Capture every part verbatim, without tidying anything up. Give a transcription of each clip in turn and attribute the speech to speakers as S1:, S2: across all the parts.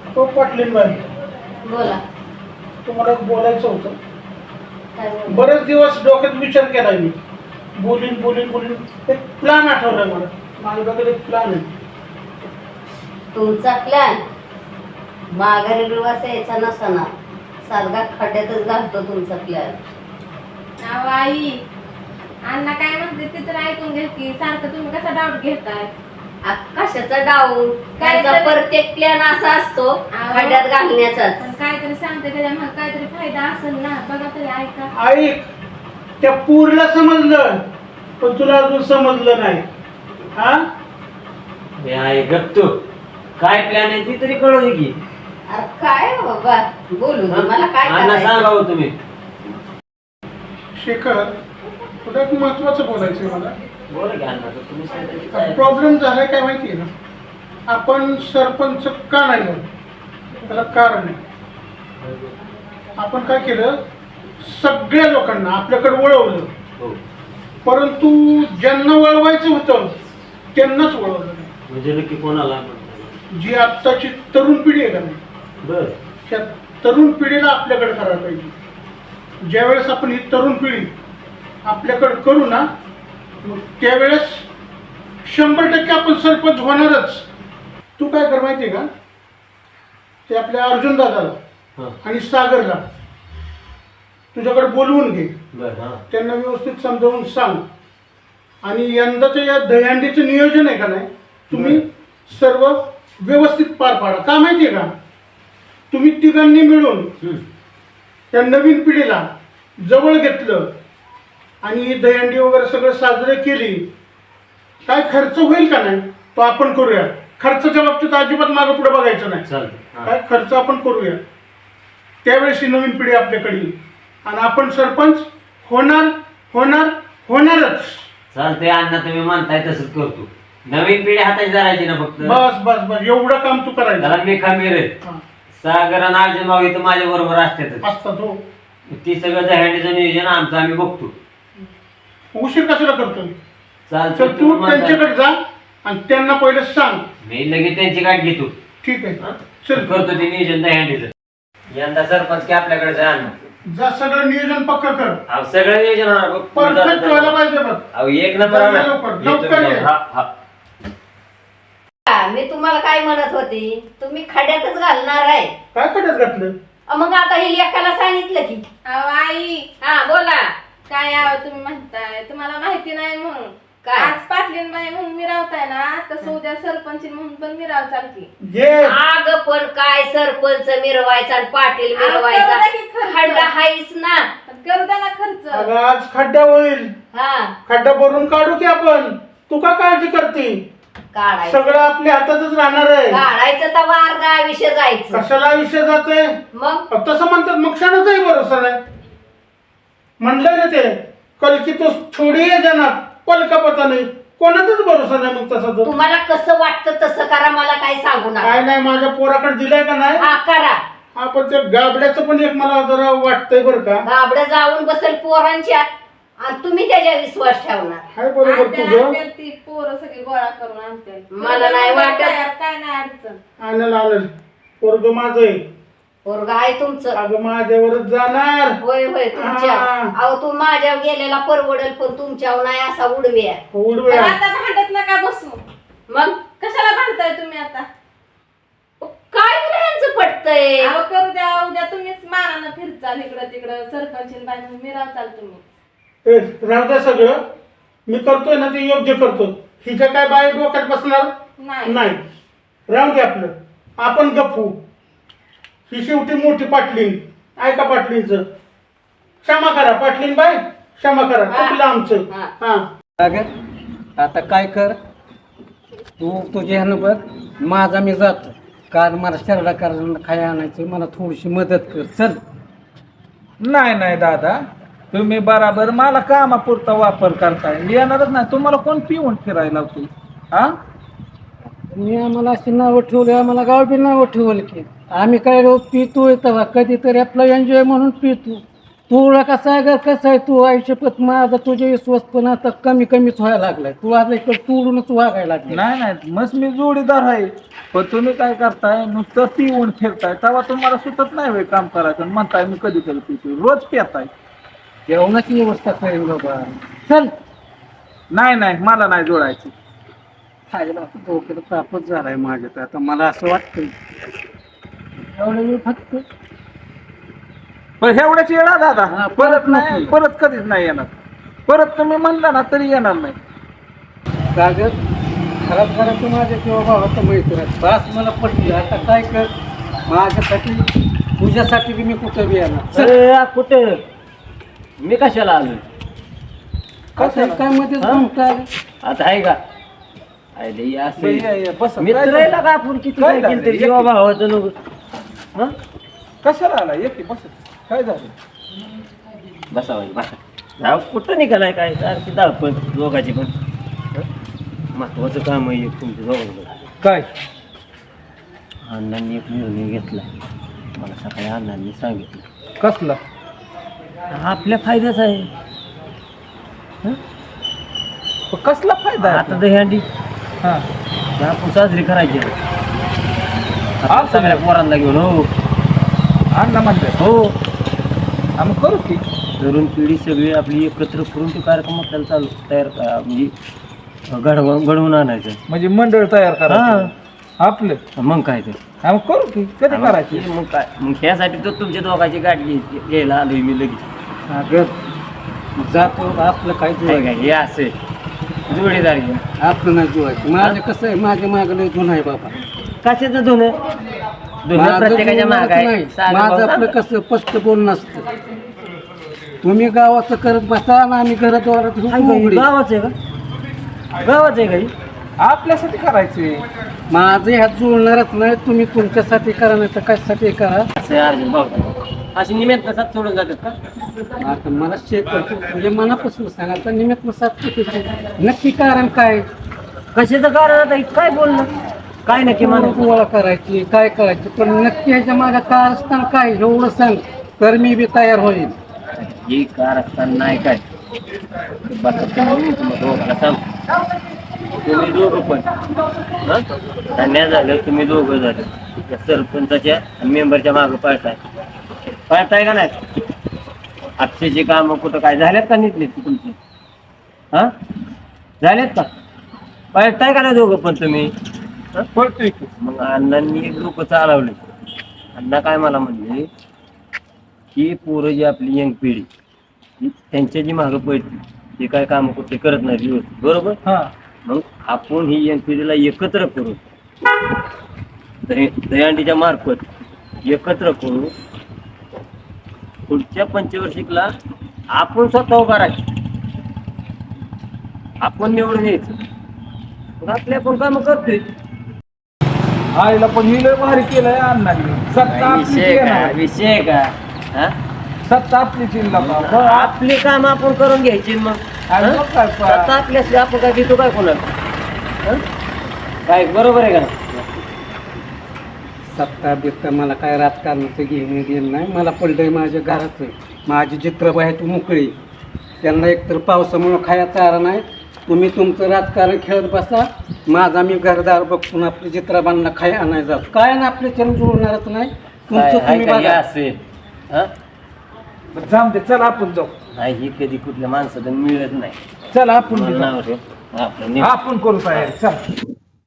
S1: तो पाटलीन बाई,
S2: बोला.
S1: तुम्हाला बोलायचं होतं.
S2: काय बोला?
S1: बरेच दिवस डोक्यात विचार केला मी, बोलीन बोलीन बोलीन एक प्लॅन आठवलाय मला. माझ्याकडे एक प्लॅन आहे.
S2: तुमचा प्लॅन माघारी दिवस यायचा नसताना सारखा खड्ड्यातच घालतो तुमचा प्लॅन.
S3: अहो आई, अण्णा काय म्हणते ते तर ऐकून घ्या की. सारखं तुम्ही कसा डाऊट घेताय?
S2: आ, कशाचा डाऊट?
S3: काय
S2: त्यांचा
S3: तरी-
S2: प्रत्येक प्लॅन असा असतो
S3: अहो,
S2: खड्ड्यात घालण्याचाच.
S3: पण काहीतरी सांगते त्याच्यामुळे काहीतरी फायदा असेल ना. बघा तरी ऐका.
S1: ऐक, त्या पूरला समजलं पण तुला अजून समजलं नाही. हा
S4: हे आहे गप तू. काय प्लॅन आहे ती तरी कळू दे की.
S2: अरे काय हो बाबा, बोलू दे मला. काय
S4: अण्णा
S2: करायचं?
S4: सांगा हो तुम्ही.
S1: शेखर, तुला एक महत्वाचं बोलायचं आहे मला.
S4: बोला की अण्णा, तर तुम्ही सांगता की काय?
S1: प्रॉब्लेम झालाय काय माहिती आहे ना, आपण सरपंच का नाही झालो त्याला कारण आहे. आपण काय केलं, सगळ्या लोकांना आपल्याकडे वळवलं,
S4: हो.
S1: परंतु ज्यांना वळवायचं होतं त्यांनाच वळवलं नाही.
S4: म्हणजे नक्की कोणाला म्हणता?
S1: जी आत्ताची तरुण पिढी आहे का नाही,
S4: बर.
S1: त्या तरुण पिढीला आपल्याकडे करायला पाहिजे. ज्यावेळेस आपण ही तरुण पिढी आपल्याकडे करू ना, मग त्यावेळेस शंभर टक्के आपण सरपंच होणारच. तू काय कर माहिती आहे का, ते आपल्या अर्जुन दादाला
S4: हा.
S1: आणि सागरला तुझ्याकडे बोलवून घे.
S4: बर. हा.
S1: त्यांना व्यवस्थित समजावून सांग. आणि यंदाचं या दहीहंडीचं नियोजन आहे का नाही, तुम्ही सर्व व्यवस्थित पार पाडा. का माहिती आहे का, तुम्ही तिघांनी मिळून
S4: हम्म.
S1: त्या नवीन पिढीला जवळ घेतलं आणि दहीहंडी वगैरे सगळं साजरे केली, काय खर्च होईल का नाही तो आपण करूया. खर्चाच्या बाबतीत अजिबात मागं पुढे बघायचं नाही.
S4: चालतंय. हा.
S1: काय खर्च आपण करूया. त्यावेळेस ही नवीन पिढी आपल्याकडे येईल आणि आपण सरपंच होणार होणार होणारच.
S4: चालतंय अण्णा, तुम्ही म्हणताय तसंच करतो. नवीन पिढी हाताची धरायची ना फक्त.
S1: बस बस बस एवढं काम तू करायचं.
S4: त्याला मी खमीर आहे.
S1: हा,
S4: सागर आणि अर्जुन भाऊ इथं माझ्या बरोबर असतात.
S1: असतात हो.
S4: ती सगळं दहंडीचं नियोजन आमचं आम्ही बघतो.
S1: उशीर कशाला करतोय.
S4: चालतंय.
S1: तर तू
S4: तुम्ही म्हणताय.
S1: त्यांच्याकडे जा आणि त्यांना पहिले सांग.
S4: मी लगेच त्यांची गाठ घेतो.
S1: ठीक आहे,
S4: हा?
S1: चल
S4: करतो ते नियोजन दहंडीचं. यंदा सरपंच की आपल्याकडे जा अण्णा.
S1: जा, सगळं नियोजन पक्का कर.
S4: अहो सगळं नियोजन होणार बघ.
S1: परफेक्ट व्हायला पाहिजे बघ.
S4: अहो एक नंबर
S1: जा,
S4: होणार.
S1: लवकर,
S4: येतो
S1: लवकर
S4: मी.
S1: ये.
S4: हा, हा.
S2: हा, मी तुम्हाला काय म्हणत होती, तुम्ही खड्ड्यातच घालणार आहे.
S1: काय करत घातलं.
S2: अ, मग आता हे लेकाला सांगितलं की.
S3: अहो आई,
S2: हा बोला.
S3: काय आहो तुम्ही म्हणताय, तुम्हाला माहिती नाही म्हणून.
S2: काय?
S3: आज पाटलीन बाई म्हणून मिरावताय ना, तसं उद्या सरपंच म्हणून पण मिराव चालती.
S1: जे
S2: आग पण काय सरपंच मिरवायचा आणि पाटील
S3: अहो,
S2: मिरवायचा.
S3: करू द्या की खर्च.
S2: खड्डा हायच ना.
S3: पण करू द्या ना खर्च.
S1: अगं आज खड्डा होईल.
S2: हा,
S1: खड्डा भरून काढू की आपण. तू का काळजी करते.
S2: काढायचं
S1: सगळं आपल्या हातातच राहणार आहे.
S2: काढायचं तर वारदा आयुष्य जायचं.
S1: कशाला आयुष्य जाते.
S2: मग
S1: तसं म्हणतात मग क्षणाचाही भरोसा नाही. म्हणलंय ना ते, कल की तो छोडी जाणार पल का पता नाही. कोणाचाच भरोसा नाही मग तसा तो.
S2: तुम्हाला कसं वाटतं तसं करा, मला काय सांगू नका.
S1: काय नाही, माझ्या पोराकडे दिलाय का नाही.
S2: हा करा.
S1: हा, पण त्या गाबड्याचं पण एक मला जरा वाटतंय बरं का.
S2: गाबडं जाऊन बसेल पोरांच्या आणि तुम्ही त्याच्या विश्वास ठेवणार.
S1: हाय बरोबर
S3: आणते,
S1: तुझं.
S3: आणते ती पोरं सगळी गोळा करून आणते.
S2: मला नाही वाटत.
S3: काय नाही अडचण.
S1: आणल आणल पोरग माझं आहे.
S2: पोरगा आहे तुमचं.
S1: अगं माझ्यावरच जाणार.
S2: होय होय तुमच्या.
S1: हा.
S2: अहो तू माझ्या गेलेला परवडेल पण तुमच्यावर नाही असा उडव्या.
S3: पण
S1: उडव्या.
S3: आता भांडत नका बसू.
S2: मग
S3: कशाला भांडताय तुम्ही आता?
S2: काय तुला यांचं पटतंय.
S3: अहो करू द्या, उद्या तुम्हीच मानानं फिरचाल इकडं तिकडं. सरपंच बाई म्हणून मिरावचाल तुम्ही.
S1: ए, राहू द्या सगळं. मी करतोय ना ते योग्य करतो. हिच्या काय बाय डोक्यात बसणार
S3: नाही
S1: नाही. राहू दे आपलं. आपण गप्पू. ही शेवटी मोठी पाटलीन. ऐका पाटलींचं. क्षमा करा पाटलीन बाय, क्षमा करा. चुकलं आमचं.
S2: हा.
S1: हा.
S5: अगं आता काय कर, तू तुझ्या ह्यानं बघ, माझा मी जातो. कारण मला शरडा करायला खाय आणायचं, मला थोडीशी मदत कर. चल.
S6: नाही नाही दादा, तुम्ही बराबर मला कामापुरता वापर करताय. येणारच नाही. तुम्हाला कोण पिऊन फिरायला लावतो? हा,
S5: मी आम्हाला अशी नावं ठेवली, आम्हाला गाव बी नावं ठेवलं की आम्ही काय रोज पितो तेव्हा कधीतरी आपला एन्जॉय म्हणून पितो. तुला कसं आहे ग, कसं आहे तू आयुष्यपत माझा तुझे विश्वास पण आता कमी कमीच व्हायला लागलाय. तू आता इकडे तोडूनच वागायला लागला.
S6: नाही नाही मस्त मी जोडीदार आहे, पण तुम्ही काय करताय नुसतं पिऊन फिरताय, तेव्हा तुम्हाला सुचत नाही वेळ काम करायचं आणि म्हणताय मी कधी कधी पितो, रोज पिताय.
S5: जेवणाची व्यवस्था करेन बाबा. चल
S6: नाही नाही मला नाही जोडायची.
S5: खायला आता डोक्याला तापच झालाय माझ्या. तर आता मला असं वाटतं एवढं मी फक्त
S6: पण एवढ्याच येणार दादा,
S5: हा,
S6: परत
S5: परत
S6: नाही,
S5: नको.
S6: परत कधीच नाही येणार. परत तुम्ही म्हणला ना तरी येणार नाही.
S5: कागद खराब करायचं माझ्या किंवा भावाचं मैत्र बास मला पटली. आता काय कर, माझ्यासाठी तुझ्यासाठी बी मी कुठं बी येणार. चल.
S4: अरे, आ, कुठं मी कशाला आलो?
S5: कसं काय मध्येच
S4: हा?
S5: घुमताय?
S4: आता आहे का? अरे, हे असं
S6: बरं, या, या, बसा.
S4: मित्र
S6: काय
S4: आहे
S6: झालं?
S4: का आपण किती
S6: काय
S4: काय
S6: झालं?
S4: केलं तरी
S6: एक-
S4: जीवा भावाचं नको. हं?
S6: कशाला आला येते बस. काय झालं?
S4: बसावं बसा. जाऊ कुठं निघालाय काय सारखी धावपळ दोघाची पण. हं? महत्वाचं काम आहे एक तुमच्या दोघांचं.
S6: काय
S4: अण्णांनी एक निर्णय घेतला, मला सकाळी अण्णांनी सांगितलं.
S6: कसला?
S4: आपल्या फायद्याच आहे. हं?
S6: पण कसला फायदा आहे
S4: आता
S6: आपला?
S4: दहीहंडी
S6: हा.
S4: आपण साजरी करायची आहे. आपण
S6: आज
S4: सगळ्या पोरांना घेऊन हो
S6: अण्णा म्हणतात
S4: हो
S6: आम्ही करू की.
S4: तरुण पिढी सगळी आपली एकत्र करून तो कार्यक्रम आपल्याला चालू तयार क- म्हणजे घडवून घडवून आणायचं.
S6: म्हणजे मंडळ तयार करायचं आपलं.
S4: मग काय ते
S6: आम्ही करू की. कधी करायची?
S4: मग काय मग ह्यासाठी तर तुमच्या दोघांची गाठ घे- घ्यायला आलोय मी लगेच.
S5: कागद जातो आपलं काय
S4: काय
S5: जुळायचं
S4: काय हे असे जोडीदार घ्या.
S5: आपलं नाही जुळायचं. माझं कसं आहे, माझ्या मागं लय जुन आहे बाबा.
S4: कशाचं धुणं धुणं
S5: माझं
S4: प्रत्येकाच्या
S5: जुळणारच
S4: माग आहे.
S5: नाही.
S4: सागर
S5: माझं
S4: भाऊ
S5: आपलं
S4: सांगा.
S5: कसं स्पष्ट बोलणं असतं. तुम्ही गावाचं करत बसा ना आम्ही घराद्वारात
S4: काय गं, गावाचं आहे का? गावाचं आहे काही
S6: आपल्यासाठी करायचे.
S5: माझे ह्यात जुळणारच नाही. तुम्ही तुमच्यासाठी करा नाही तर कशासाठी करा.
S4: असं आहे अर्जुन भाऊ अशी निमित्त साथ सोडून जातात का?
S5: आता मला चेक करतो म्हणजे मनापासून सांगा तर निमित्त साथ चुकीचं. नक्की कारण काय?
S4: कशाचं कारण आता हे काय बोलणं काय नक्की म्हणा
S5: गोळा करायची काय करायची पण नक्की ह्याच्या माझ्या कारस्थान काय एवढं सांग तर मी बी तयार होईल.
S4: हे कारस्थान नाही काय बघा तुम्ही तुम्ही दोघांना सांग तुम्ही दोघं पण हं? अन्याय झालं तुम्ही दोघं झालं त्या सरपंचाच्या आणि मेंबरच्या मागं पळताय पळताय का नाही? अक्षयची कामं कुठं काय झाल्यात का नीटलीत की तुमची? हा झाल्यात का? पळताय का नाही दोघं पण तुम्ही? हं?
S6: पळतोय की.
S4: मग अण्णांनी एक लोक चालवले. अण्णा काय मला म्हणले की पोरं जी आपली यंग पिढी ही त्यांच्या जी मागं पडली ते काय काम कुठे करत नाही व्यवस्थित बरोबर.
S6: हा.
S4: मग आपण ही यंग पिढीला एकत्र करू दही- दहीहंडीच्या मार्फत एकत्र करू पुढच्या पंचवर्षिकला आपण स्वतः उभा राहायचं आपण निवडून यायचं मग आपले आपण काम करतोय.
S6: आईला पण ही लय भारी केलंय अण्णांनी. सत्ता आपलीच
S4: विषय का
S6: येणार.
S4: विषय का हा?
S6: सत्ता आपलीच येईल ना
S4: मग
S6: बाबा.
S4: आपली काम आपण करून घ्यायची मग
S6: आणि
S4: हं?
S6: मग काय पा-
S4: स्वतः आपली असली आपण काय देतो काय कोणाला हं? काय बरोबर आहे का ना?
S5: सत्ता बित्ता मला काय राजकारणाचं घेणं देणं नाही. मला पडलंय माझ्या घराचं. माझी चित्रबाई आहे तू मोकळी. त्यांना एकतर पावसामुळं खाया चारा नाही. तुम्ही तुमचं राजकारण खेळत बसा. माझा मी घरदार बघून आपल्या चित्रबांना खाय आणाय जात काय ना आपल्या चरण जुळणारच नाही.
S4: काय
S5: तुमचं
S4: आहे
S5: तुम्ही
S4: का हे
S5: बघा.
S4: असेल हं?
S6: जाऊ दे चल आपण जाऊ.
S4: नाही ही कधी कुठल्या माणसाला मिळत नाही.
S6: चल आपण बी
S4: मला
S6: जाऊ.
S4: नाव ठेव. आपलं नीट.
S6: आपण करू तयारी. चल.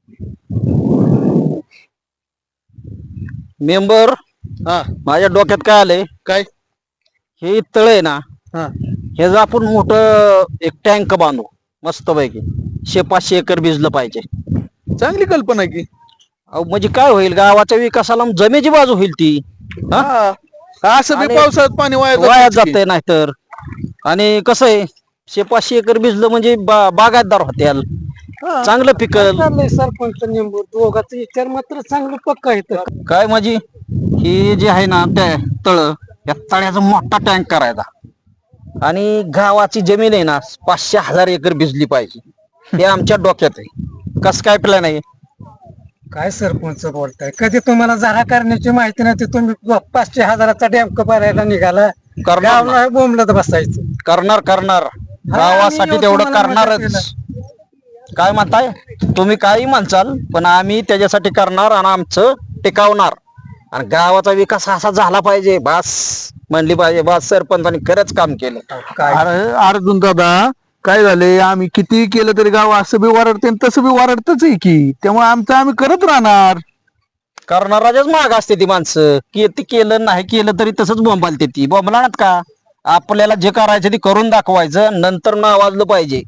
S7: मेंबर हा माझ्या डोक्यात काय आलंय काय हे तळ आहे ना
S8: हा
S7: हे जर आपण मोठं एक टँक बांधू मस्तपैकी शे पाचशे एकर भिजलं पाहिजे.
S8: चांगली कल्पना आहे की.
S7: अहो म्हणजे काय होईल गावाच्या विकासाला जमेची बाजू होईल ती हा?
S8: हा असं बी
S7: आणि
S8: पावसाळ्यात पाणी वाया
S7: वाया
S8: जातंच की.
S7: जाते नाहीतर. आणि कसं आहे शे पाचशे एकर भिजलं म्हणजे बा बागायतदार होत्याल
S8: हा.
S7: चांगलं पिकल.
S5: चाललंय सरपंच नेमकं दोघांचं विचार मात्र चांगलं पक्का आहे.
S7: काय माझी ही जे आहे ना त्या तळ या तळ्याचा मोठा टँक करायचा आणि गावाची जमीन आहे ना पाचशे हजार एकर भिजली पाहिजे हे आमच्या डोक्यात आहे. कस काय प्लॅन आहे?
S5: काय सरपंच बोलताय? कधी तुम्हाला जागा करण्याची माहिती नाही ते तुम्ही पाचशे हजाराचा डॅम भरायला निघाला.
S7: करणार ना.
S5: गावला बोंबलत बसायचं.
S7: करणार करणार गावासाठी
S5: आम्ही
S7: तेवढं
S5: तुम्हाला मदत
S7: करणारच. काय म्हणताय तुम्ही काही म्हणचाल पण आम्ही त्याच्यासाठी करणार आणि आमचं टिकावणार आणि गावाचा विकास असा झाला पाहिजे बास म्हणली पाहिजे बास सरपंचांनी खरंच काम केलं.
S5: काय
S8: अरे अर्जुन दादा काय झाले आम्ही किती केलं तरी गाव असं बी वरडते आणि तसं बी वरडतच आहे की, त्यामुळे आमचं आम्ही करत राहणार.
S7: करणाराच्याच माग असते ती माणसं की ती केलं नाही केलं तरी तसंच बोंबालते ती बोंबलात का. आपल्याला जे करायचं ते करून दाखवायचं नंतर नावाजलं पाहिजे.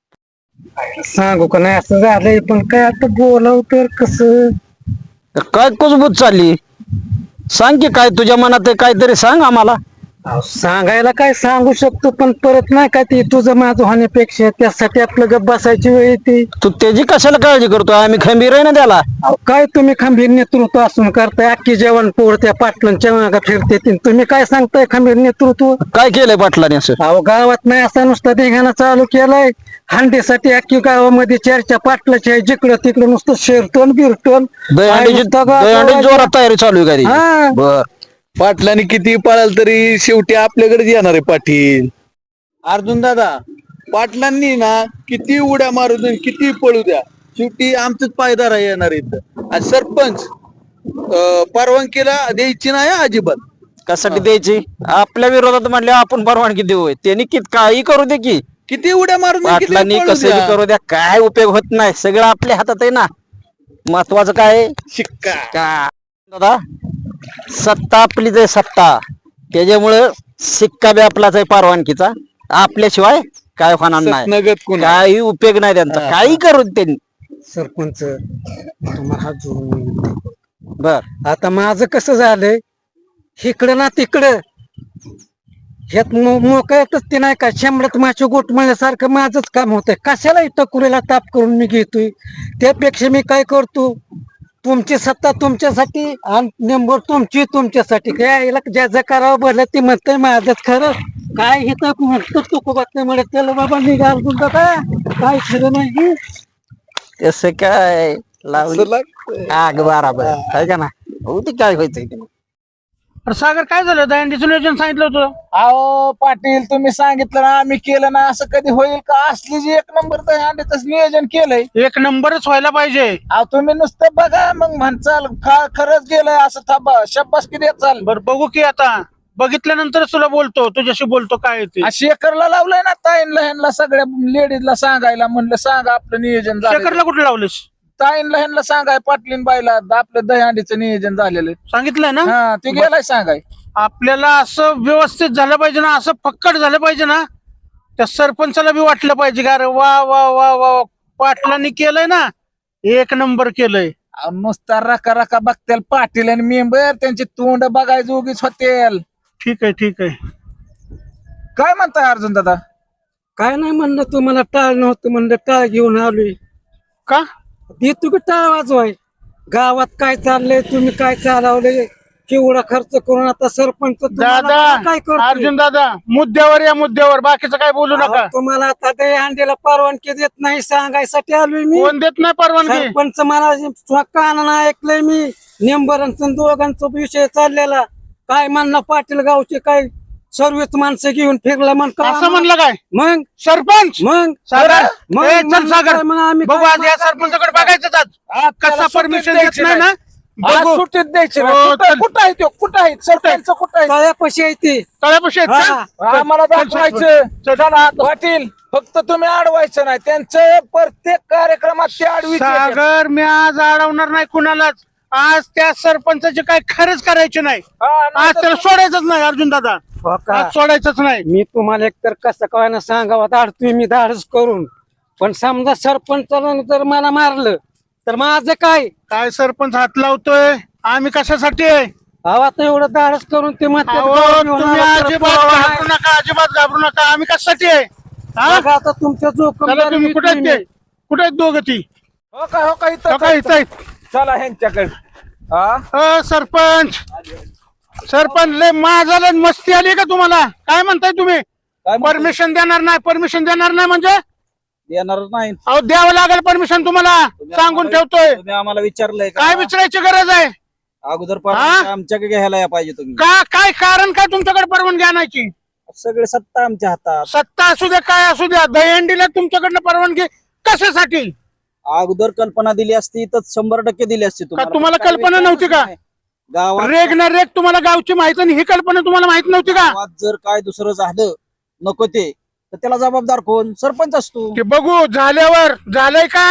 S5: सांगू का नाही असं झालंय पण काय आता बोलाव तर कसं.
S7: तर काय कुजबूज चालली सांग की काय तुझ्या मनात आहे काहीतरी सांग आम्हाला.
S5: अहो, सांगायला काय सांगू शकतो पण परत नाही का ते तुझं माझं होण्यापेक्षा त्यासाठी आपलं गप बसायची वेळ येते.
S7: तू त्याची कशाला काळजी करतो आम्ही खंबीर आहे ना त्याला.
S5: अहो, काय तुम्ही खंबीर नेतृत्व असून करताय अख्खी जेवण पोळ त्या पाटलांच्या मागा फिरते ती. तुम्ही काय सांगताय खंबीर नेतृत्व.
S7: काय केलंय पाटलाने असं.
S5: अहो गावात नाही असा नुसता धिंगाणा चालू केलाय हंडीसाठी अख्खी गावामध्ये चर्चा पाटलाची आहे जिकडं तिकडं नुसतं शिरटोन बिरटोन
S7: दहीहंडीची दहीहंडी जोरात तयारी चालू आहे
S5: हा.
S7: का बर.
S8: पाटलांनी किती पळाल तरी शेवटी आपल्याकडेच येणार आहे पाटील. अर्जुन दादा पाटलांनी ना किती उड्या मारू द्या किती पळू द्या शेवटी आमचंच पायदार येणार इथं. आणि सरपंच अं, परवानगीला द्यायची नाही हं अजिबात.
S7: कशासाठी द्यायची आपल्या विरोधात म्हणले आपण परवानगी देऊ त्यांनी कित काही करू दे की
S8: किती उड्या मारून द्या, किती
S7: पाटलांनी
S8: पळू
S7: कसं
S8: द्या.
S7: करू द्या काय उपयोग होत नाही सगळं आपल्या हातात आहे ना. महत्वाचं काय आहे?
S8: शिक्का
S7: का दादा सत्ता आपलीच आहे सत्ता त्याच्यामुळं सिक्का बी आपलाच आहे परवानगीचा आपल्याशिवाय काय होणार नाही.
S8: नगद कोण
S7: काही उपयोग नाही त्यांचा
S8: हा,
S7: काही करू दे त्यांनी.
S5: सरपंच तुम्हाला हात जोडून विनंती.
S7: बर
S5: आता माझं कसं झालंय इकडं ना तिकडं ह्यात मोकळ्यातच ते नाही का शंभरात माझ्या गोट म्हणल्यासारखं माझंच काम होतंय. कशाला इथं कुरेला ताप करून मी घेतोय त्यापेक्षा मी काय करतो तुमची सत्ता तुमच्यासाठी आणि नंबर तुमची तुमच्यासाठी काय याला ज्याचं करावं भरलं ते म्हणतंय माझंच खरं काय इथं म्हणतो तुको बातमी म्हणत त्याला बाबा निघाल तुमचं काय काय खरं नाही.
S7: तसं काय लावली
S8: असं लागतंय.
S7: आग बराबर आहे का ना हो ते काय व्हायचंय ते.
S1: अरे सागर काय झालं दहीहंडीचं नियोजन सांगितलं होतं.
S6: अहो पाटील तुम्ही सांगितलं ना आम्ही केलं ना असं कधी होईल का असली जी एक नंबर अंड्याच नियोजन केलंय.
S1: एक नंबरच व्हायला पाहिजे.
S6: अहो तुम्ही नुसतं बघा मग म्हणचाल खा खरंच गेलंय असं थांबा शब्बास किती चाल.
S1: बर बघू की आता बघितल्यानंतरच तुला बोलतो तुझ्याशी बोलतो काय आहे ते.
S6: शेखरला लावलंय ना ताईंला ह्यांना सगळ्या लेडीजला सांगायला म्हणलं सांगा आपलं नियोजन झालं.
S1: शेखरला कुठे लावलेस
S6: ताईंला ह्यांना सांगाय पाटलीन बाईला आपलं दहीहंडीचं नियोजन झालेलं.
S1: सांगितलंय ना.
S6: हा ते गेलाय सांगाय.
S1: आपल्याला असं व्यवस्थित झालं पाहिजे ना असं फक्कड झालं पाहिजे ना त्या सरपंचाला बी वाटलं पाहिजे का अरे वा वा वा वा पाटलांनी केलंय ना एक नंबर केलंय.
S6: अहो, नुसता रका रका बघतील पाटील आणि मेंबर त्यांची तोंड बघायचं उगीच होतील.
S1: ठीक आहे ठीक आहे.
S6: काय म्हणताय अर्जुन दादा.
S5: काय नाही म्हणलं तुम्हाला टाळ नव्हतं म्हणलं टाळ घेऊन आलोय.
S1: का
S5: ती तुम्ही टाळ वाजवाय गावात काय चाललंय तुम्ही काय चालवलंय केवढा खर्च करून आता सरपंच तुम्हाला
S1: दादा
S5: काय करतो
S1: अर्जुन दादा मुद्द्यावर या मुद्द्यावर बाकीचं काय बोलू नका.
S5: तुम्हाला आता ते अंड्याला परवानगी देत नाही सांगायसाठी आलोय मी.
S1: कोण देत नाही परवानगी.
S5: सरपंच मला कानानं ऐकलंय मी नेंबरांचं दोघांचा विषय चाललेला काय म्हणणं पाटील गावचे काय सर्वच माणसं घेऊन फिरला म्हण
S1: असं म्हणलं काय
S5: मग
S1: सरपंच
S5: मग
S1: सागर
S5: मग
S1: ए, चल
S5: म्हणलं
S1: सागर
S5: काय, मग आम्ही
S1: बघू
S5: काय
S1: आज या
S5: म्हणलं?
S1: सरपंचाकडे बघायचं आज कसा परमिशन देत नाही ना
S6: आज
S1: बघू.
S6: सुट्टीत द्यायची ना.
S1: हो,
S6: कुठं
S1: चल.
S6: कुठं आहे तो कुठं आहे सरपंच कुठं आहे.
S5: तळ्यापाशी आहे ते
S1: तळ्यापाशी आहेत का?
S5: हा.
S6: आम्हाला
S1: चल, चल, चल.
S6: दाखवायचं चला पाटील फक्त तुम्ही अडवायचं नाही त्यांचं प्रत्येक कार्यक्रमात ते अडवीच येतात.
S1: सागर मी आज अडवणार नाही कुणालाच आज त्या सरपंचाचे काय खरंच करायचे नाही
S6: हा,
S1: आज
S6: नाहीतर
S1: त्याला सोडायचंच नाही अर्जुन दादा
S5: हो का?
S1: आज सोडायचंच नाही.
S5: मी तुम्हाला एकतर कसं काय ना सांगावं धाडतोय मी धाडस करून पण समजा सरपंचाला जर मला मारलं तर माझं काय
S1: काय सरपंच हात लावतोय आम्ही कशासाठी आहे
S5: अहो आता एवढं धाडस करून ते म्हणतात
S1: अहो,
S5: गाव घेऊन
S1: तुम्ही
S5: आला तर
S1: अजिबात
S5: पुरावा नाही.
S1: घाबरू नका अजिबात घाबरू नका आम्ही कशासाठी आहे हा?
S5: बघा आता तुमच्या
S1: चला तुम्ही कुठे आहेत ते
S5: जोखम
S1: कुठे आहेत दोघं ती
S6: हो का हो का इथं
S1: हो का, इथं आहेत.
S6: चला ह्यांच्याकडे हा
S1: अ, सरपंच सरपंच लय माझा लय मस्ती आली का तुम्हाला काय म्हणताय तुम्ही परमिशन देणार नाही परमिशन देणार नाही म्हणजे
S9: येणार नाही.
S1: अहो द्यावं लागेल परमिशन तुम्हाला सांगून ठेवतोय
S9: तुम्ही आम्हाला विचारलंय का?
S1: काय विचारायची गरज आहे
S7: अगोदर
S1: हा?
S7: परवानगी आमच्याकडे घ्यायला या पाहिजे तुम्ही.
S1: का काय कारण काय तुमच्याकडे परवानगी आणायची?
S7: सगळे सत्ता आमच्या हातात.
S1: सत्ता असू द्या काय असू द्या, दहीहंडीला तुमच्याकडनं परवानगी कशासाठी?
S7: अगोदर कल्पना दिली असती तर शंभर टक्के दिली असती
S1: का तुम्हाला
S7: काही
S1: कल्पना
S7: विचारच
S1: नव्हती का?
S7: नाही. गावात
S1: रेग ना रेग तुम्हाला गावची माहिती आणि ही कल्पना तुम्हाला माहित नव्हती का?
S7: गावात जर काय दुसरं झालं नको ते तर त्याला जबाबदार कोण? सरपंच असतो.
S1: ते बघू झाल्यावर. झालंय का?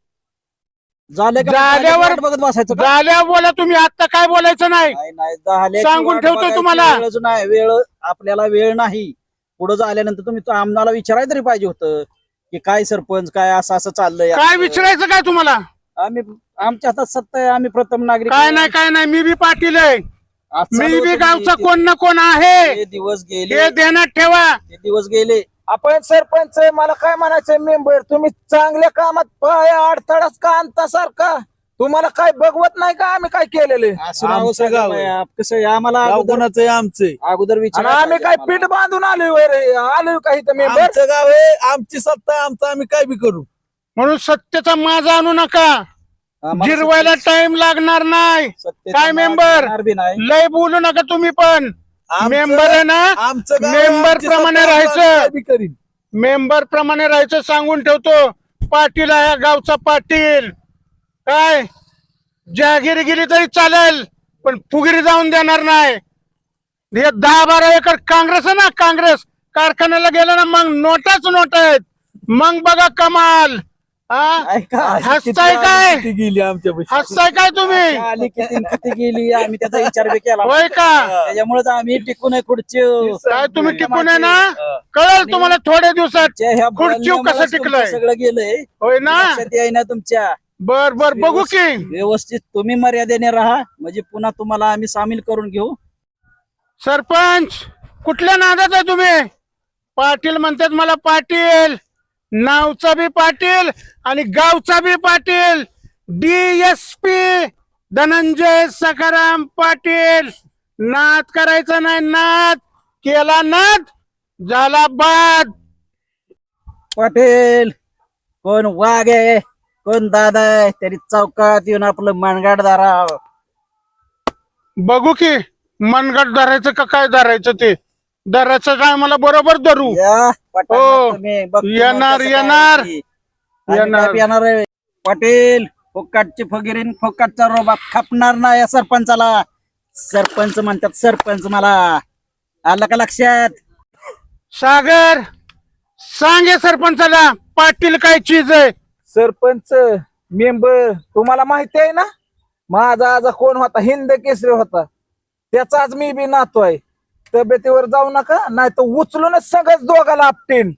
S7: झाले का
S1: झाल्यावर-
S7: वाट बघत बसायचं का?
S1: झाल्यावर बोला तुम्ही, आता काय बोलायचं नाही.
S7: नाही नाही झाले
S1: सांगून ठेवतो तुम्हाला.
S7: वेळच नाही, वेळ आपल्याला वेळ नाही. पुढे झाल्यानंतर तुम्ही तो आम्हाला विचारायला तरी पाहिजे होतं की काय सरपंच काय असं असं चाललंय.
S1: काय विचारायचं काय तुम्हाला?
S7: आम्ही आमच्या हातात सत्ता आहे, आम्ही प्रथम नागरिक
S1: काय
S7: आहे.
S1: नाही काय नाही, मी बी पाटील आहे.
S7: आज
S1: मी
S7: चालू
S1: बी
S7: होतं
S1: गावचा
S7: ते-
S1: कोण ना कोण आहे.
S7: ते दिवस गेले
S1: हे ध्यानात ठेवा.
S7: ते दिवस गेले.
S6: आपण सरपंच मला काय म्हणायचंय मेंबर, तुम्ही चांगल्या कामात पाय अडथळाच का आणता सारखा? तुम्हाला काय बघवत नाही का आम्ही काय केलेले?
S7: असं नाव
S8: आमचं
S7: सांगा
S8: गाव
S7: बाई,
S8: आहे.
S7: आप- कसं आहे, आम्हाला
S8: गाव
S7: अगोदर
S8: कोणाचं आहे? आमचं
S7: अगोदर
S6: आणि
S7: विचार
S6: आम्ही काय पीठ बांधून आलोय रे? आलोय का इथं मेंबर?
S8: आमचं गाव आहे, आमची सत्ता आहे, आमचं आम्ही काय बी करू.
S1: म्हणून सत्तेचा माझा आणू नका. जिरवायला टाइम लागणार नाही. काय member? लय बोलू नका तुम्ही पण.
S8: आमचं-
S1: मेंबर आहे ना,
S8: आमचं गाव आहे,
S1: मेंबर
S8: आमची
S1: प्रमाणे
S8: सत्ता आहे,
S1: राहायचं.
S8: आम्ही काय बी करीन.
S1: मेंबर प्रमाणे राहायचं सांगून ठेवतो. पाटील आहे गावचा पाटील. काय जहागिरी गेली तरी चालेल, पण फुगिरी जाऊन देणार नाही. हे दहा बारा एकर काँग्रेस आहे ना, काँग्रेस कारखान्याला गेलं ना मग नोटाच नोट आहेत. मग बघा कमाल. हा? हसताय काय?
S8: किती गेली आमच्या
S1: हसताय काय तुम्ही?
S7: आली किती किती गेली आम्ही त्याचा विचार बी केला.
S1: होय का?
S7: त्याच्यामुळेच आम्ही टिकून आहे खुर्ची.
S1: काय तुम्ही टिकून आहे ना? कळेल तुम्हाला थोड्या दिवसात.
S7: ह्या
S1: खुर्चीव कसं
S7: बोलण्यामुळेच
S1: टिकलंय?
S7: तुमचं सगळं गेलंय.
S1: होय ना?
S7: लक्षात येईना तुमच्या.
S1: बर बर बघू की.
S7: व्यवस्थित तुम्ही मर्यादेने राहा, म्हणजे पुन्हा तुम्हाला आम्ही सामील करून घेऊ.
S1: सरपंच कुठल्या नादात आहे तुम्ही? पाटील म्हणतात मला पाटील, नावचा बी पाटील आणि गावचा बी पाटील. डीएसपी धनंजय सखाराम पाटील. नाद करायचा नाही, नाद केला नाद झाला बाद.
S7: पाटील कोण वाघ आहे कोण दादा आहे, तरी चौकात येऊन आपलं मनगाड दारा.
S1: बघू की मनगट धरायचं का काय धरायचं ते. धरायचं काय मला बरोबर धरू.
S7: या पटांना
S1: हो.
S7: तुम्ही बघतो मग
S1: येणार,
S7: कसं काय
S1: येणार.
S7: आहे ती. आम्ही
S1: येणार.
S7: काय येणार आहे पाटील. फोकाटची फगिरीन फोकाटचा रोबा खपणार नाही या सरपंचाला. सरपंच म्हणतात सरपंच मला. आलं का लक्षात?
S1: सागर सांगे सरपंचाला पाटील काय चीज आहे.
S6: सरपंच मेंबर तुम्हाला माहिती आहे ना, माझा आजा कोण होता? हिंद केसरी होता. त्याचाच मी बी नातो आहे. तब्येतीवर जाऊ नका, नाही तर उचलूनच सगळंच दोघाला आपटेन.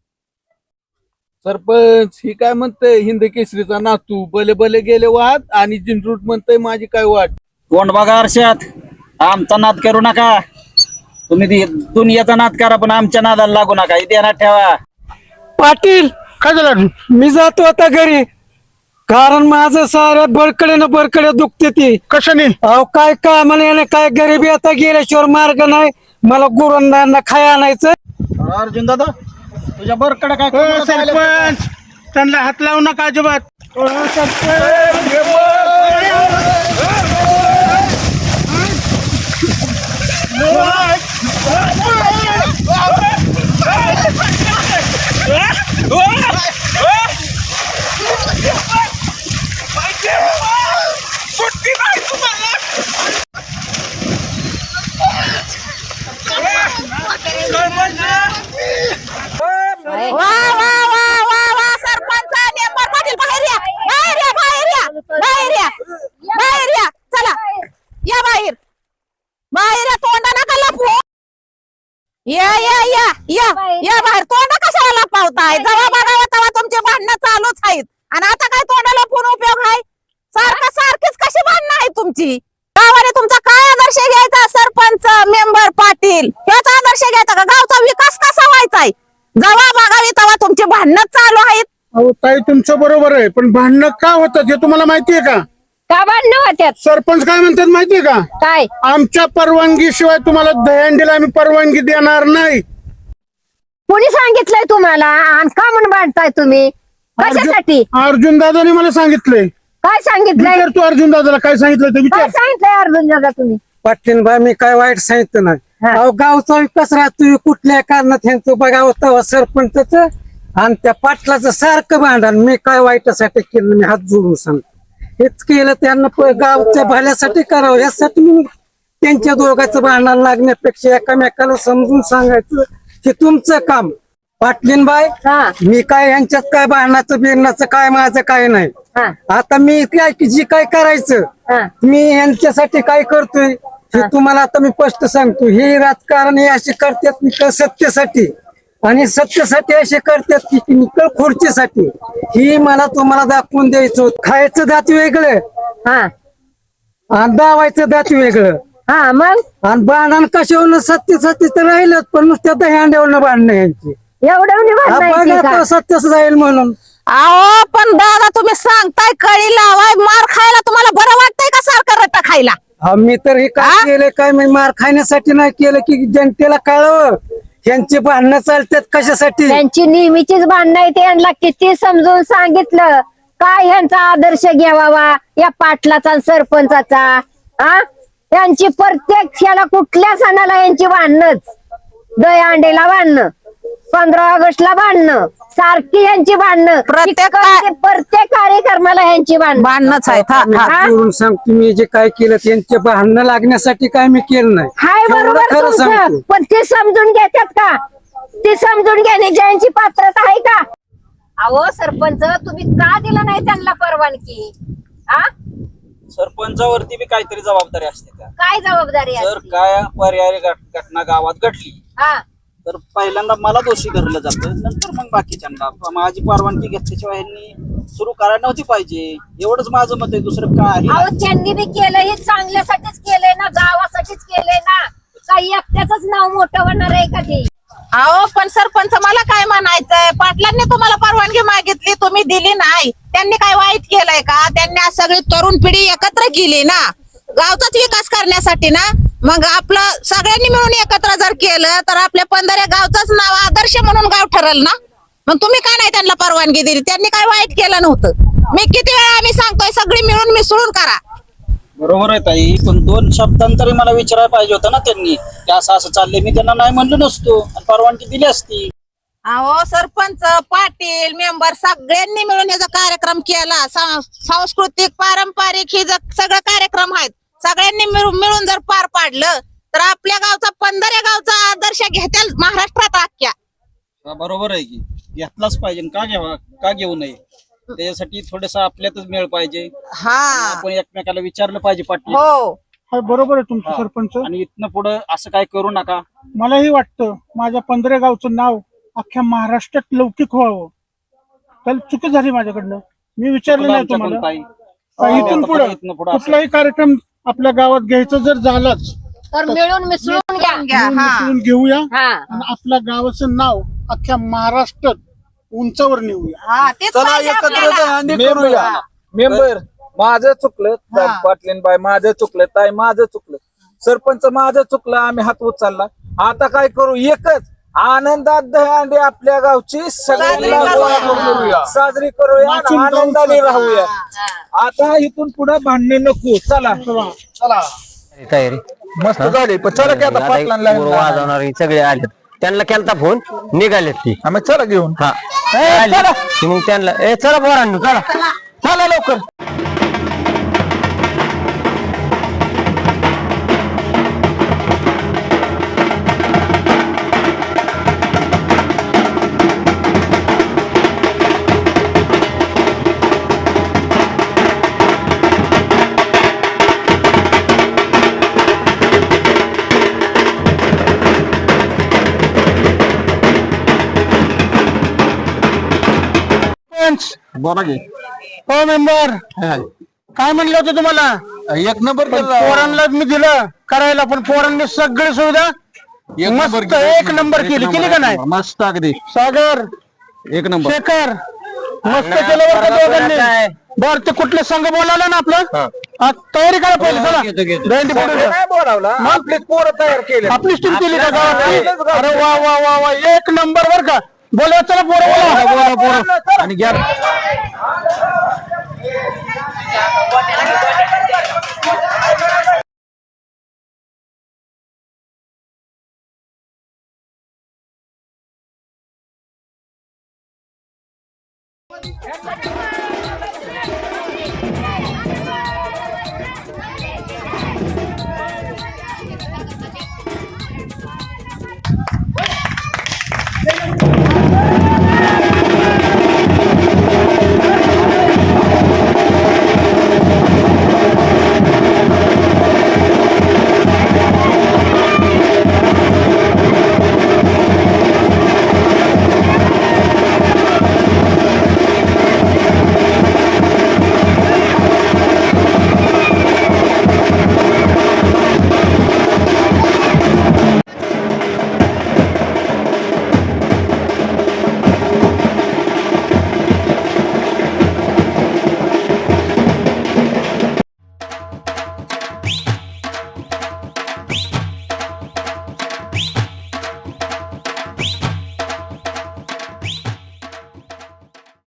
S8: सरपंच ही काय म्हणतंय हिंद केसरीचा नातू बले बले गेले वाद आणि जिंटरूट म्हणतंय माझी काय वाट.
S7: कोण बघा अर्षात, आमचा नाद करू नका. तुम्ही ती दुनियाचा नाद करा पण आमच्या नादाला लागू नका. इथे ध्यानात ठेवा.
S5: पाटील
S1: काय झालं?
S5: मी जातो आता घरी, कारण माझं साऱ्या बरकडे ना बरकडे दुखते ती.
S1: कशाने?
S5: अहो काय काय म्हणे काय गरिबी आता गेल्याशिवाय मार्ग नाही. मला गुरुंदांना खाय आणायचं.
S7: अर्जुन दादा तुझ्या बरकडे काय
S1: हो
S7: करून राहिले?
S1: सरपंच त्यांना हात लावू नका अजिबात. हो, सरपंच.
S2: वा वा वा वा वा सरपंच मेंबर पाटील बाहेर या, बाहेर या, बाहेर या, बाहेर या, बाहेर या. चला या बाहेर, बाहेर या. तोंडा नका लपवू. या या या या या बाहेर. तोंड कशाला लपवताय? जेव्हा बघावं तेव्हा तुमचे भांडणं चालूच आहेत. आणि आता काय तोंड लपवून उपयोग आहे? सारखं सारखीच कशी भांडणं आहे तुमची? गावाने तुमचा काय आदर्श घ्यायचा? सरपंच मेंबर पाटील याचा आदर्श घ्यायचा का? गावचा विकास कसा व्हायचाय? जेव्हा बघावी तेव्हा तुमची भांडणं चालू आहेत.
S1: अहो ताई तुमचं बरोबर आहे, पण भांडणं का होतात हे तुम्हाला माहितीये का?
S2: का भांडणं होत्यात?
S1: सरपंच काय म्हणतात माहितीये का?
S2: काय?
S1: आमच्या परवानगी शिवाय तुम्हाला दहीहंडीला आम्ही परवानगी देणार नाही.
S2: कोणी सांगितलंय तुम्हाला? आणि का म्हणून भांडताय तुम्ही? कशासाठी?
S1: अर्जुन दादाने मला सांगितलंय.
S9: काय सांगितलंय
S1: विचार तू अर्जुन दादाला काय सांगितलं ते
S9: काय
S1: विचार.
S9: सांगितलंय अर्जुन दादा तुम्ही
S5: पाटील बाई मी काय वाईट सांगितलं नाही
S9: हा.
S5: अहो गावचा विकास राहतोय कुठल्या कारणात ह्यांचं बघावं तेव्हा सरपंच आणि त्या पाटलाचं सारखं भांडण मी काय वाईटासाठी केलं मी हात जोडून सांगतो हेच केलं त्यांना प- गावच्या भल्यासाठी करावं यासाठी मी त्यांच्या दोघांचं भांडण लागण्यापेक्षा एकामेकाला समजून सांगायचं की तुमचं काम पाटलीनबाई
S9: हा
S5: मी काय यांच्यात काय भांडणाचं बिरणाचं काय माझं काय नाही
S9: हा
S5: आता मी काय जी काय करायचं
S9: हा
S5: मी यांच्यासाठी काय करतोय हे तुम्हाला आता मी स्पष्ट सांगतो हे राजकारण हे असे करतात निकळ सत्तेसाठी आणि सत्तेसाठी असे करतात की निकळ खुर्चीसाठी ही मला तुम्हाला दाखवून द्यायचं होतं. खायचं दात वेगळं
S9: हा
S5: आणि दावायचं दात वेगळं
S9: हा मग
S5: आणि भांडण कशावरून सत्तेसाठी तर राहिलं पण नुसत्या दह्यांड्यावरनं भांडणं यांची
S9: एवढं
S5: हा बघा
S9: का
S5: आता सत्यच राहील म्हणून
S2: अहो पण दादा तुम्ही सांगताय कळी लावाय मार खायला तुम्हाला बरं वाटतंय का सारखं रट्टा खायला
S5: हा मी तर हे काय केलं काय मी मार खाण्यासाठी नाही केलं की जनतेला कळावं यांची भांडणं चालतात कशासाठी
S9: त्यांची नेहमीचीच भांडणं आहे त्यांना किती समजून सांगितलं काय ह्यांचा आदर्श घ्यावा या पाटलाचा आणि सरपंचाचा हा यांची प्रत्येक ह्याला कुठल्या सणाला यांची भांडणच दहीहंडीला भांडणं पंधरा ऑगस्टला भांडणं सारखी यांची भांडणं
S2: प्रत्येक
S9: प्रत्येक प्रत्येक कार्यक्रमाला यांची भांडणं
S2: भांडणच आहेत हा,
S5: मी
S2: हा.
S5: हात जोडून सांगतो मी जे काय केलं त्यांचे भांडणं लागण्यासाठी काय मी केलं नाही
S9: हाय
S5: एवढं
S9: बरोबर
S5: खरं
S9: तुमचं
S5: सांगतो
S9: पण ते समजून घेतात का ते समजून घेण्याची यांची पात्रता आहे का अहो सरपंच तुम्ही का दिलं नाही त्यांना परवानगी हा
S7: सरपंचावरती बी काहीतरी जबाबदारी असते का
S9: काय जबाबदारी
S7: जर
S9: असते?
S7: काय पर्यायी घट- घटना गावात घडली
S9: हा
S7: तर पहिल्यांदा मला दोषी धरलं जातं नंतर मग बाकीच्यांना माझी परवानगी घेतल्याशिवाय यांनी सुरू करायला नव्हती पाहिजे एवढंच माझं मत आहे दुसरं काय आहे
S9: अहो त्यांनी बी केलं हे चांगल्यासाठीच केलंय ना गावासाठीच केलंय ना काही एकट्याच नाव मोठं होणार आहे का ते
S2: अहो पण सरपंच मला काय म्हणायचंय पाटलांनी तुम्हाला परवानगी मागितली तुम्ही दिली नाही त्यांनी काय वाईट केलंय का त्यांनी आज सगळी तरुण पिढी एकत्र केली ना गावचाच विकास करण्यासाठी ना मग आपलं सगळ्यांनी मिळून एकत्र जर केलं तर आपल्या पंधरा गावचाच नाव आदर्श म्हणून गाव ठरल ना मग तुम्ही काय नाही त्यांना परवानगी दिली त्यांनी काय वाईट केलं नव्हतं मी किती वेळा आम्ही सांगतोय सगळी मिळून मिसळून करा
S7: बरोबर आहे ताई पण दोन शब्दांतरी मला विचारायला पाहिजे होतं ना त्यांनी की असं असं चाललंय मी त्यांना नाही म्हणलो नसतो आणि परवानगी दिली असती
S2: अहो सरपंच पाटील मेंबर सगळ्यांनी मिळून याचा कार्यक्रम केला सा- सांस्कृतिक पारंपरिक हे ज- सगळं कार्यक्रम आहेत सगळ्यांनी मिळून मिळून जर पार पाडलं तर आपल्या गावचा पंधरा गावचा आदर्श घेतील महाराष्ट्रात अख्ख्या
S7: हा, बरोबर आहे की घेतलाच पाहिजे का घ्यावा का घेऊ नये त्याच्यासाठी थोडस आपल्यातच मेळ पाहिजे
S2: हा
S7: आपण एकमेकाला विचारलं पाहिजे पाटील
S2: हो
S1: हा, बरोबर आहे तुमचं सरपंच
S7: आणि इथनं पुढं असं काय करू नका
S1: मलाही वाटतं माझ्या पंधरा गावचं नाव अख्ख्या महाराष्ट्रात लौकिक व्हावं त्याला चुकी झाली माझ्याकडनं मी विचारलं नाही
S7: आमच्याकडून
S1: तुम्हाला
S7: ताई.
S1: का इथून
S7: आता
S1: पुढे
S7: इथनं पुढं असं-
S1: कुठलाही कार्यक्रम आपल्या गावात घ्यायचा जर झालाच
S9: तर मिळून मिसळून घ्या
S2: घ्या हा
S1: मिसळून घेऊया
S9: हा
S1: आणि आपल्या गावाचं नाव अख्ख्या महाराष्ट्रात उंचावर नेऊया
S2: हा तेच
S6: चला
S2: पाहिजे
S6: एकत्र
S2: आपल्याला.
S6: दहीहंडी करूया मेंबर माझं चुकलं पाटलीन बाय माझं चुकलं ताई माझं चुकलं सरपंच माझं चुकलं आम्ही हात उचलला आता काय करू एकच आनंदात दहीहंडी आपल्या गावची सगळ्यांना
S2: साजरी
S6: गोळा
S2: करूया.
S6: करूया साजरी करूया आणि
S1: नाचून गाऊन
S6: आनंदाने
S1: करूया.
S6: राहूया आता इथून पुढे भांडणे नको चला चला
S4: तयारी
S6: मस्त झाली पण चला की आता पाटलांना
S4: वाजवणारे सगळे आले त्यांना केलता फोन निघालेत ती
S6: आम्ही चला घेऊन
S4: हा आली. ती मग त्यांना ए चला पोरांनो चला चला लवकर
S7: बोला की
S1: हो मेंबर काय म्हणलं होतं तुम्हाला
S6: एक नंबर
S1: पण पोरांना मी दिलं करायला पण पोरांनी सगळी सुविधा मस्त एक नंबर केली केली का नाही
S8: मस्त अगदी
S1: सागर
S8: एक नंबर
S1: शेखर मस्त केलं बरं का दोघांनी बर ते कुठले संघ बोलावला ना आपलं आ, तयारी करा पहिले चला दहीहंडी फोडूया.
S6: नाही बोलावला आपले पोरं तयार केले
S1: आपली टीम केली का गावातली अरे वा वा वा वा एक नंबर बर का बोला चला पोरं बोला
S8: आणि घ्या